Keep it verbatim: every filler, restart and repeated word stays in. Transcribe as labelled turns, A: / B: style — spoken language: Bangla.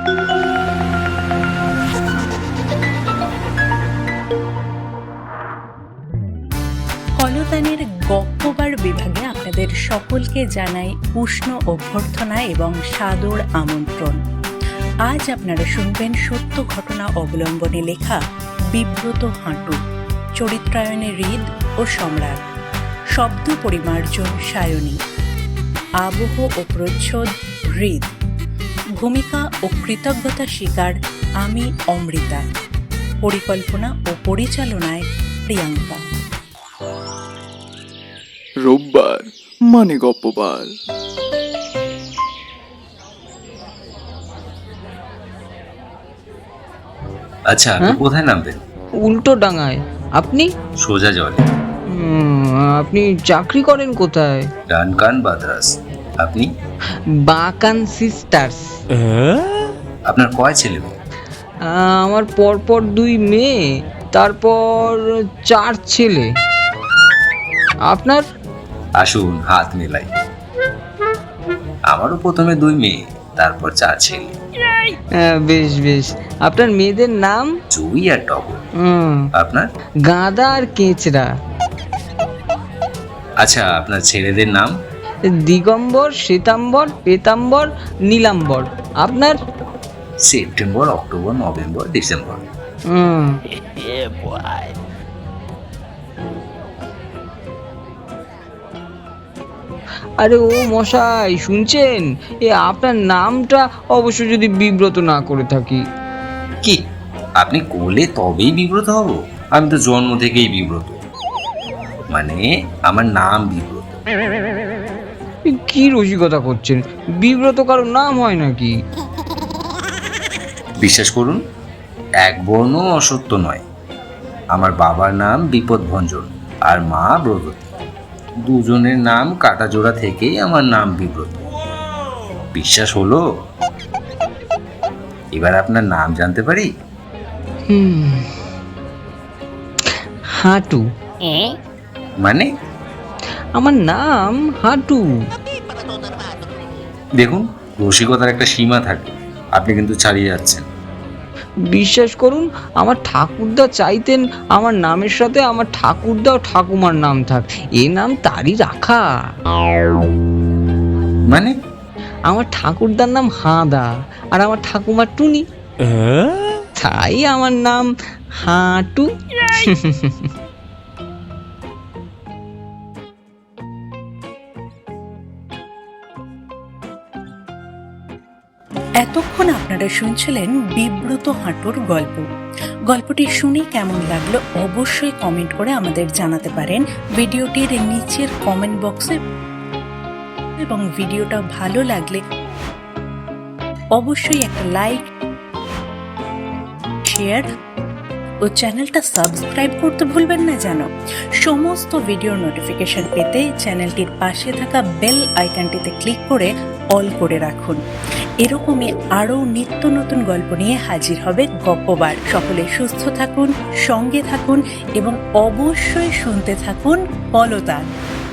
A: কলতানের গপ্পবার বিভাগে আপনাদের সকলকে জানাই উষ্ণ অভ্যর্থনা এবং সাদর আমন্ত্রণ। আজ আপনারা শুনবেন সত্য ঘটনা অবলম্বনে লেখা বিব্রত হাঁটু, চরিত্রায়নে হৃদ ও সম্রাট, শব্দ পরিমার্জন সায়নী, আবহ ও প্রচ্ছদ হৃদ, ভূমিকা ও কৃতজ্ঞতা স্বীকার আমি অমৃতা, পরিকল্পনা ও পরিচালনায় প্রিয়াঙ্কা।
B: রোববার মানে গপ্পবার।
C: আচ্ছা, আপনি কোথায় নামবেন?
D: উল্টো ডাঙায়। আপনি?
C: সোজা জলে।
D: উম, আপনি চাকরি করেন কোথায়?
C: Duncan Brothers. আপনি?
D: বাকান সিস্টার্স।
C: আপনার কয় ছেলে মেয়ে?
D: আমার পরপর দুই মেয়ে, তারপর চার ছেলে। আপনার?
C: আসুন হাত মেলাই। আমারও প্রথমে দুই মেয়ে, তারপর চার ছেলে।
D: হ্যাঁ, বেশ বেশ। আপনার মেয়েদের নাম?
C: জুই আর টগর।
D: হুম।
C: আপনার?
D: গাঁদা আর কেঁচড়া।
C: আচ্ছা, আপনার ছেলেদের নাম?
D: দিগম্বর, শ্বেতাম্বর, পেতাম্বর, নীলাম্বর। আপনার?
C: September, October, November, December.
D: হুম। আরে ও মশাই, শুনছেন? এ আপনার নামটা অবশ্য যদি বিব্রত না করে থাকি।
C: কি আপনি করলে তবেই বিব্রত হব? আমি তো জন্ম থেকেই বিব্রত, মানে আমার নাম বিব্রত।
D: কি রসিকতা করছেন? বিব্রত কারো নাম হয় নাকি?
C: বিশ্বাস করুন, এক বর্ণ অসত্য নয়। আমার বাবার নাম বিপদভঞ্জন আর মা ব্রততী। দুজনের নাম কাটা জোড়া থেকেই আমার নাম বিব্রত। বিশ্বাস হলো? এবার আপনার নাম জানতে পারি?
D: হুম, হাঁটু।
C: মানে?
D: আমার নাম হাঁটু।
C: দেখুন, রসিকতার একটা সীমা থাকে, আপনি কিন্তু ছাড়িয়ে যাচ্ছেন।
D: বিশ্বাস করুন, আমার ঠাকুরদা চাইতেন আমার নামের সাথে আমার ঠাকুরদা ও ঠাকুমার নাম থাক। এ নাম তারই রাখা।
C: মানে?
D: আমার ঠাকুরদার নাম হাঁদা আর আমার ঠাকুমার টুনি, তাই আমার নাম হাঁটু।
A: এতক্ষণ আপনারা শুনছিলেন বিব্রত হাঁটুর গল্প। গল্পটি শুনে কেমন লাগলো অবশ্যই কমেন্ট করে আমাদের জানাতে পারেন ভিডিওটির নিচের কমেন্ট বক্সে, এবং ভিডিওটা ভালো লাগলে অবশ্যই একটা লাইক, শেয়ার ও চ্যানেলটা সাবস্ক্রাইব করতে ভুলবেন না যেন। সমস্ত ভিডিওর নোটিফিকেশন পেতে চ্যানেলটির পাশে থাকা বেল আইকনটিতে ক্লিক করে অল করে রাখুন। এরকমই আরও নিত্য নতুন গল্প নিয়ে হাজির হবে গপ্পবার। সকলে সুস্থ থাকুন, সঙ্গে থাকুন এবং অবশ্যই শুনতে থাকুন কলতান।